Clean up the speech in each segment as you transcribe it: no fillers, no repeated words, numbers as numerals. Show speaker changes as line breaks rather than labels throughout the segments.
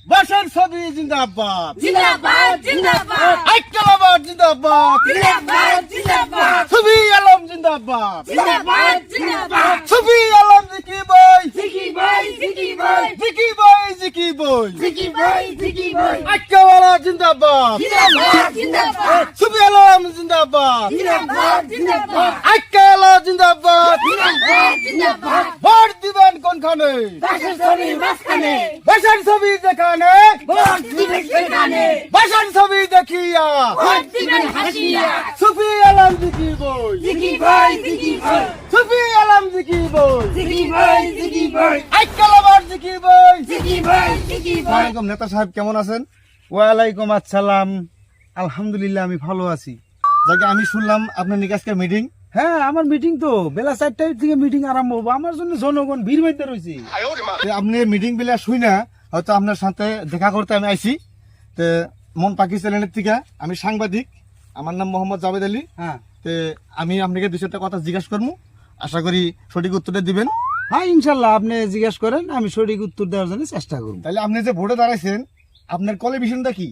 বাসার ছবি জিন্দাবাদ
জিন্দাবাদ জিন্দাবাদ
আইকালাবাদ জিন্দাবাদ
জিন্দাবাদ জিন্দাবাদ
ছবি আলম জিন্দাবাদ
জিন্দাবাদ জিন্দাবাদ
ছবি আলম জিকি বই
জিকি ভাই জিকি ভাই
জিকি বই জিকি বই
জিকি ভাই জিকি ভাই
আইকাওয়ালা জিন্দাবাদ
জিন্দাবাদ জিন্দাবাদ
ছবি আলম জিন্দাবাদ
জিন্দাবাদ জিন্দাবাদ
আইকাওয়ালা জিন্দাবাদ
জিন্দাবাদ জিন্দাবাদ
ভোট দিবেন কোনখানে
বাসার ছবি মাঝখানে
বাসার ছবি যেখানে
ভোট দিবেন সেখানে
বাসার ছবি দেখিয়া
ভোট দিবেন হাসিয়া
ছবি আলম জিকি বই
জিকি ভাই জিকি ভাই
ছবি আলম জিকি বই
জিকি ভাই জিকি ভাই
আইকালাবাদ জিকি বই
জিকি ভাই জিকি ভাই
ওয়ালাইকুম নেতা সাহেব কেমন আছেন? ওয়ালাইকুম আসসালাম, আলহামদুলিল্লাহ আমি ভালো আছি। যাকে আমি শুনলাম আপনার নাকি আজকে মিটিং।
হ্যাঁ আমার মিটিং তো বেলা 4টার থেকে মিটিং আরম্ভ হবো। আমার জন্য জনগণ ভিড় বাইতে রয়েছে।
আপনি মিটিং বেলা শুই না হয়তো আপনার সাথে দেখা করতে আমি আইছি। তো মন পাখি চ্যানেলের থেকে আমি সাংবাদিক, আমার নাম মোহাম্মদ জাভেদ আলী।
হ্যাঁ
তো আমি আপনাকে দুই চারটা কথা জিজ্ঞাসা করবো, আশা করি সঠিক উত্তরটা দিবেন।
হ্যাঁ ইনশাল্লাহ আপনি জিজ্ঞেস করেন, আমি সঠিক উত্তর দেওয়ার জন্য চেষ্টা করব।
তাহলে আপনি যে ভোটে দাঁড়াইছেন আপনার কোয়ালিফিকেশনটা কি?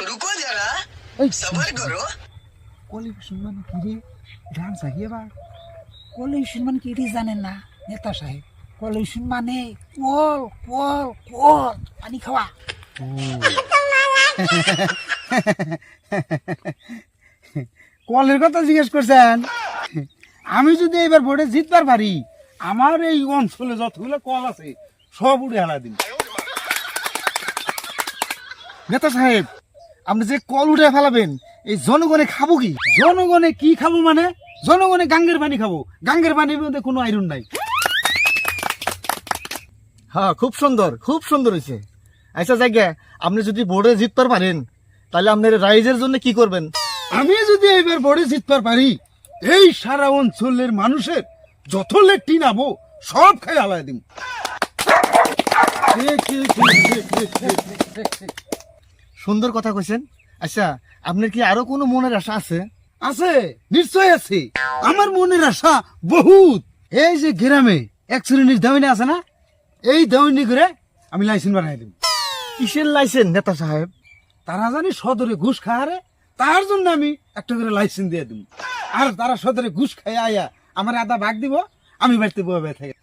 কোয়ালিফিকেশন মানে কি রে? গান চাহিয়ে বা কোয়ালিফিকেশন মানে কি রে জানেন না নেতা সাহেব? কোয়ালিফিকেশন মানে কল কল কল পানি খাওয়া। কলের কথা জিজ্ঞেস করছেন? আমি যদি এবার ভোটে জিতবার পারি, আমার এই অঞ্চলে যতগুলো কল আছে সব উড়ে হেলা দিন।
নেতা সাহেব আপনি যে কল উঠে ফেলাবেন এই জনগণে খাবো কি?
জনগণে কি খাবো মানে? জনগণে গাঙ্গের পানি খাবো। গাঙ্গের পানির মধ্যে কোনো আয়রন নাই।
হ্যাঁ খুব সুন্দর হয়েছে। আচ্ছা জায়গা আপনি যদি বোর্ডে জিততে পারেন তাহলে আপনার রাইজের জন্য কি করবেন?
আমি যদি এবার ভোটে জিতবার পারি, এই সারা অঞ্চলের মানুষের যত লেট্টি নাবো সব খাই আলাই দিন।
সুন্দর কথা কইছেন। আচ্ছা আপনার কি আরো কোনো মনের আশা আছে?
আছে, নিশ্চয় আছে। আমার মনের আশা বহুত। এই যে গ্রামে এক শ্রেণীর দামিনী আছে না, এই দামিনী করে আমি লাইসেন্স বানাই দিব।
কিসের লাইসেন্স নেতা সাহেব?
তারা জানি সদরে ঘুষ খায়, তার জন্য আমি একটা করে লাইসেন্স দিয়ে দিব। আর তারা সদরে ঘুষ খাই আয়া আমার আধা ভাগ দিব, আমি বাড়িতে বয়ে থাকে।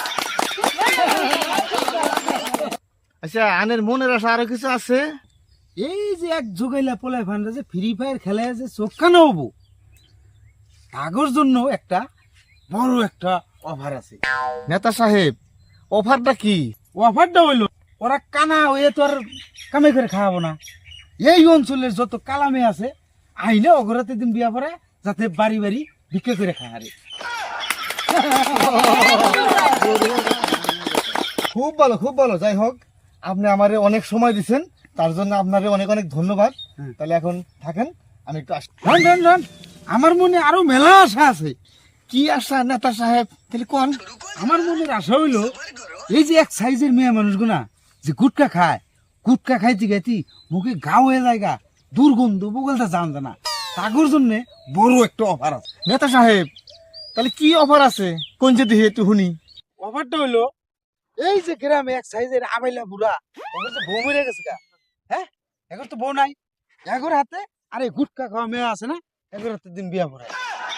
আচ্ছা আনের মনের আশা আরো কিছু আছে?
এই যে এক যোগাইলা পোলায় ফান্ডা যে ফ্রি ফায়ার খেলায় যে চোখ কানা হবো, তাগর জন্য একটা বড় একটা অফার আছে।
নেতা সাহেব অফারটা কি?
অফারটা হইলো ওরা কানা হয়ে তো আর কামাই করে খাওয়াবো না। এই অঞ্চলের যত কালামে আছে আইলে অগরাতে দিন বিয়া পড়ে, যাতে বাড়ি বাড়ি বিক্রি করে খাওয়ারে।
খুব ভালো। যাই হোক আপনি আমারে অনেক সময় দিচ্ছেন, তার জন্য আপনারে অনেক অনেক ধন্যবাদ। তাহলে এখন থাকেন, আমি একটু আসছি।
রান আমার মনে আরো মেলা আশা আছে।
কি আশা নেতা সাহেব? তাহলে কোন?
আমার মনের আশা হইলো এই যে এক সাইজের মেয়ে মানুষগুনা যে গুটকা খায়, গুটকা খাইতে খাইতে মুখে গাও হয়ে জায়গা দুর্গন্ধ বগলটা জান জানা, তাগর জন্য বড় একটা অফার আছে।
নেতা সাহেব তাহলে কি অফার আছে? কোন যে দিহে একটু শুনি।
অফারটা হইলো এই যে গ্রামে এক সাইজের আমেলা বুড়া, ওদের তো বউ মরে গেছে গা। হ্যাঁ এখন তো বউ নাই, এগোর হাতে আর এই গুটকা খাওয়া মেয়ে আছে না, এগোর হাতে দিন বিয়া পড়ায়।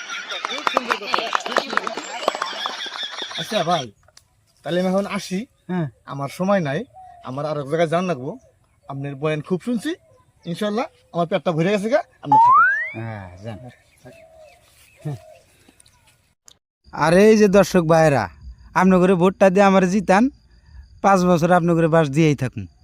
আচ্ছা ভাই তাহলে আমি এখন আসি।
হ্যাঁ
আমার সময় নাই, আমার আর এক জায়গায় যান লাগবো। আপনার বয়ান খুব শুনছি, ইনশাল্লাহ আমার পেটটা ভরে গেছে গা, আপনি থাকেন।
হ্যাঁ যান। আর এই যে দর্শক ভাইরা, আপনার করে ভোটটা দিয়ে আমার জিতান, 5 বছর আপনার করে বাস দিয়েই থাকুন।